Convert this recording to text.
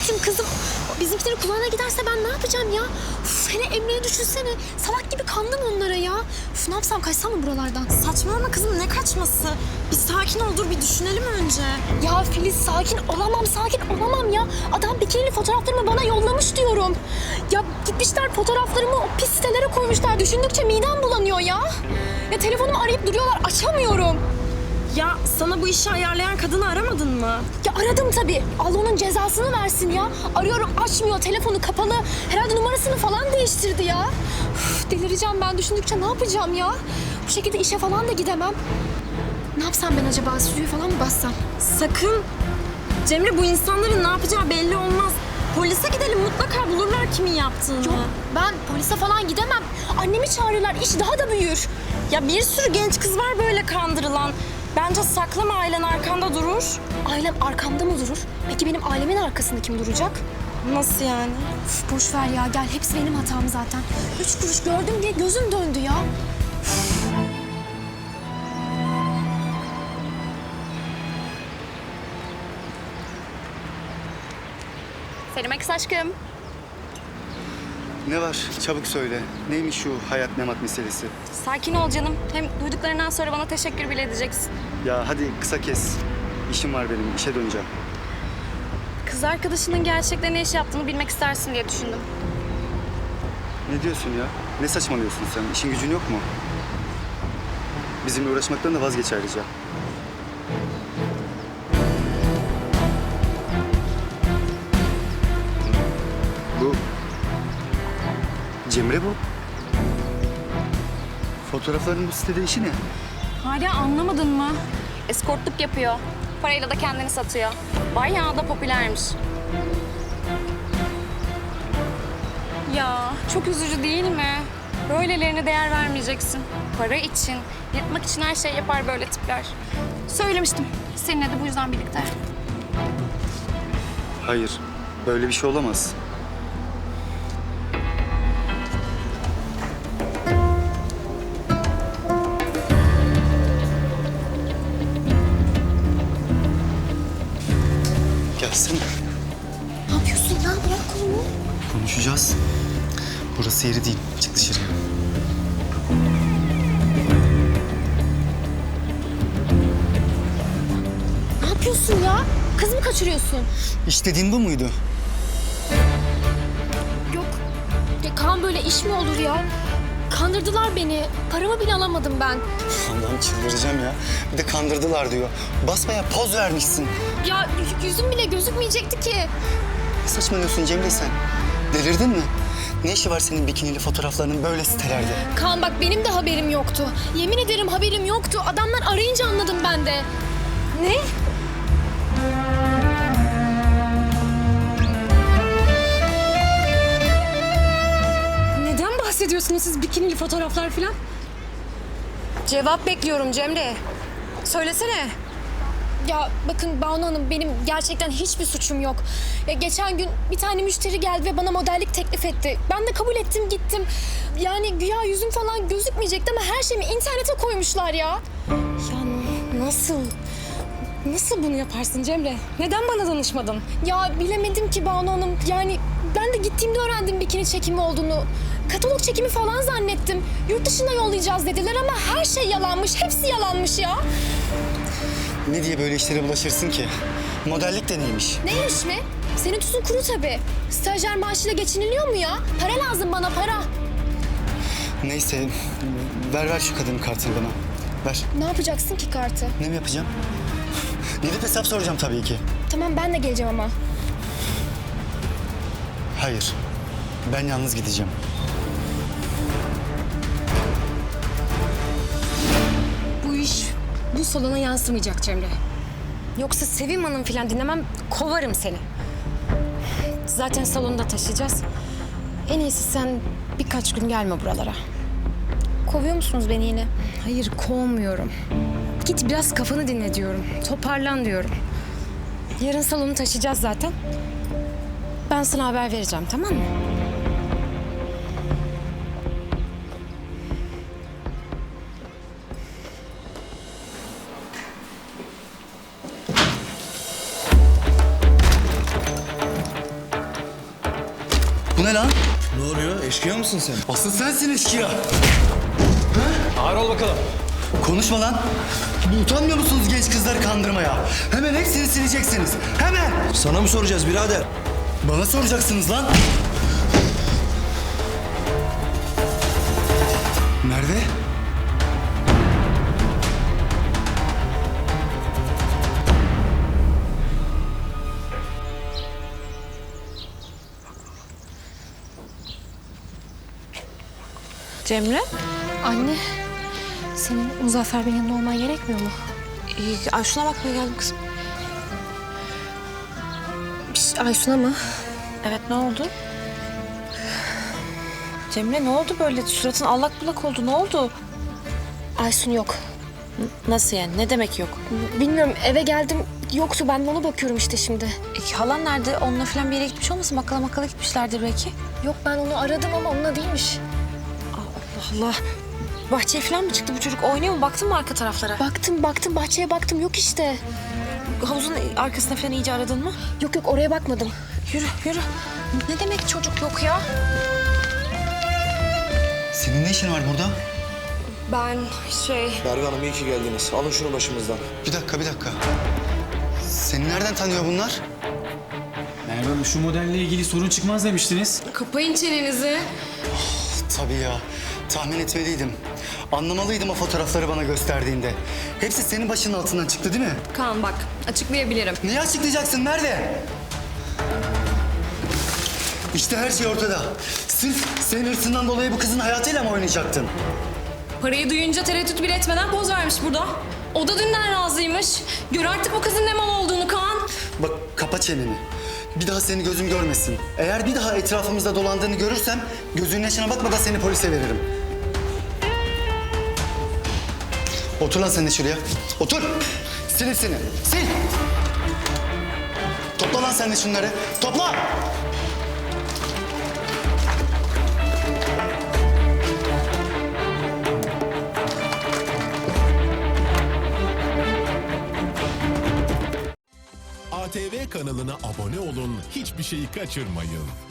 düşün kızım. Bizimkilerin kulağına giderse ben ne yapacağım ya? Uf, hele Emre'yi düşünsene. Salak gibi kandım onlara ya. Uf, ne yapsam, kaçsam mı buralardan? Saçmalama kızım, ne kaçması? Bir sakin ol, dur bir düşünelim önce. Ya Filiz, sakin olamam ya. Adam bikinili fotoğraflarımı bana yollamış diyorum. Ya gitmişler fotoğraflarımı o pis sitelere koymuşlar. Düşündükçe midem bulanıyor ya. Ya telefonumu arayıp duruyorlar, açamıyorum. Ya sana bu işi ayarlayan kadını aramadın mı? Ya aradım tabii. Allah onun cezasını versin ya. Arıyorum, açmıyor, telefonu kapalı. Herhalde numarasını falan değiştirdi ya. Üf, delireceğim ben düşündükçe, ne yapacağım ya? Bu şekilde işe falan da gidemem. Ne yapsam ben acaba? Stüdyoyu falan mı bassam? Sakın. Cemre, bu insanların ne yapacağı belli olmaz. Polise gidelim, mutlaka bulurlar kimin yaptığını. Yok, ben polise falan gidemem. Annemi çağırırlar, iş daha da büyür. Ya bir sürü genç kız var böyle kandırılan. Bence saklama, ailen arkanda durur. Ailem arkamda mı durur? Peki benim ailemin arkasında kim duracak? Nasıl yani? Üf, boş ver ya, gel. Hepsi benim hatam zaten. 3 kuruş gördüm diye gözüm döndü ya. Selim Akis aşkım. Ne var? Çabuk söyle. Neymiş şu hayat memat meselesi? Sakin ol canım. Hem duyduklarından sonra bana teşekkür bile edeceksin. Ya hadi kısa kes. İşim var benim, işe döneceğim. Kız arkadaşının gerçekten ne iş yaptığını bilmek istersin diye düşündüm. Ne diyorsun ya? Ne saçmalıyorsun sen? İşin gücün yok mu? Bizimle uğraşmaktan da vazgeç ayrıca. Bu... Cemre bu. Fotoğrafların bu sitede işi ne? Hala anlamadın mı? Eskortluk yapıyor. Parayla da kendini satıyor. Bayağı da popülermiş. Ya çok üzücü değil mi? Böylelerine değer vermeyeceksin. Para için, yırtmak için her şey yapar böyle tipler. Söylemiştim. Seninle de bu yüzden birlikte. Hayır, böyle bir şey olamaz. Gelsene. Ne yapıyorsun ya? Bırak kolumu. Konuşacağız. Burası yeri değil. Çık dışarıya. Ne yapıyorsun ya? Kız mı kaçırıyorsun? İstediğin bu muydu? Yok. Ya Kaan, böyle iş mi olur ya? Kandırdılar beni. Paramı bile alamadım ben. Allah'ım çıldıracağım ya. Bir de kandırdılar diyor. Basmaya poz vermişsin. Ya yüzüm bile gözükmeyecekti ki. Ne saçmalıyorsun Cemre sen? Delirdin mi? Ne işi var senin bikinili fotoğraflarının böyle sitelerde? Kaan bak, benim de haberim yoktu. Yemin ederim haberim yoktu. Adamlar arayınca anladım ben de. Ne? Neden bahsediyorsunuz siz bikinili fotoğraflar falan? Cevap bekliyorum Cemre. Söylesene. Ya bakın Banu Hanım, benim gerçekten hiçbir suçum yok. Ya geçen gün bir tane müşteri geldi ve bana modellik teklif etti. Ben de kabul ettim, gittim. Yani güya yüzüm falan gözükmeyecekti ama her şeyimi internete koymuşlar ya. Ya nasıl? Nasıl bunu yaparsın Cemre? Neden bana danışmadın? Ya bilemedim ki Banu Hanım. Yani ben de gittiğimde öğrendim bikini çekimi olduğunu. Katalog çekimi falan zannettim. Yurt dışına yollayacağız dediler ama her şey yalanmış. Hepsi yalanmış ya. Ne diye böyle işlere bulaşırsın ki? Modellik de neymiş? Neymiş mi? Senin tuzun kuru tabii. Stajyer maaşıyla geçiniliyor mu ya? Para lazım bana, para. Neyse, ver şu kadının kartını bana. Ver. Ne yapacaksın ki kartı? Ne mi yapacağım? Gidip hesap soracağım tabii ki. Tamam, ben de geleceğim ama. Hayır, ben yalnız gideceğim. Bu iş bu salona yansımayacak Cemre. Yoksa Sevim Hanım falan dinlemem, kovarım seni. Zaten salonda taşıyacağız. En iyisi sen birkaç gün gelme buralara. Kovuyor musunuz beni yine? Hayır, kovmuyorum. Git biraz kafanı dinle diyorum. Toparlan diyorum. Yarın salonu taşıyacağız zaten. Ben sana haber vereceğim, tamam mı? Bu ne lan? Ne oluyor? Eşkıya mısın sen? Asıl sensin eşkıya. Ağır ol bakalım. Konuşma lan. Utanmıyor musunuz genç kızları kandırmaya? Hemen hepsini sileceksiniz. Hemen. Sana mı soracağız birader? Bana soracaksınız lan. Merve? Cemre, Anne, senin Muzaffer Bey'in yanında olman gerekmiyor mu? Ayşun'a bakmaya geldim kızım. Aysun'a mı? Evet, ne oldu? Cemre, ne oldu böyle? Suratın allak bullak oldu, ne oldu? Aysun yok. Nasıl yani? Ne demek yok? Bilmiyorum, eve geldim yoktu. Ben de ona bakıyorum işte şimdi. Halan nerede? Onunla falan bir yere gitmiş olmasın? Bakkala gitmişlerdir belki. Yok, ben onu aradım ama onunla değilmiş. Allah Allah. Bahçeye falan mı çıktı bu çocuk? Oynuyor mu? Baktın mı arka taraflara? Baktım, bahçeye baktım. Yok işte. Havuzun arkasına falan iyice aradın mı? Yok, oraya bakmadım. Yürü. Ne demek çocuk yok ya? Senin ne işin var burada? Ben Merve Hanım iyi ki geldiniz. Alın şunu başımızdan. Bir dakika. Seni nereden tanıyor bunlar? Merve Hanım şu modelle ilgili sorun çıkmaz demiştiniz. kapayın çenenizi. Tabii ya. Tahmin etmeliydim. Anlamalıydım o fotoğrafları bana gösterdiğinde. Hepsi senin başının altından çıktı değil mi? Kaan bak, açıklayabilirim. Niye açıklayacaksın? Nerede? İşte her şey ortada. Sırf senin hırsından dolayı bu kızın hayatıyla mı oynayacaktın? Parayı duyunca tereddüt bile etmeden poz vermiş burada. O da dünden razıymış. Gör artık bu kızın ne mal olduğunu Kaan. Bak kapa çeneni. Bir daha seni gözüm görmesin. Eğer bir daha etrafımızda dolandığını görürsem gözünün yaşına bakmadan seni polise veririm. Otur lan sen de şuraya. Otur. Sil hepsini. Sil. Topla lan sen de şunları. Topla. ATV kanalına abone olun, hiçbir şeyi kaçırmayın.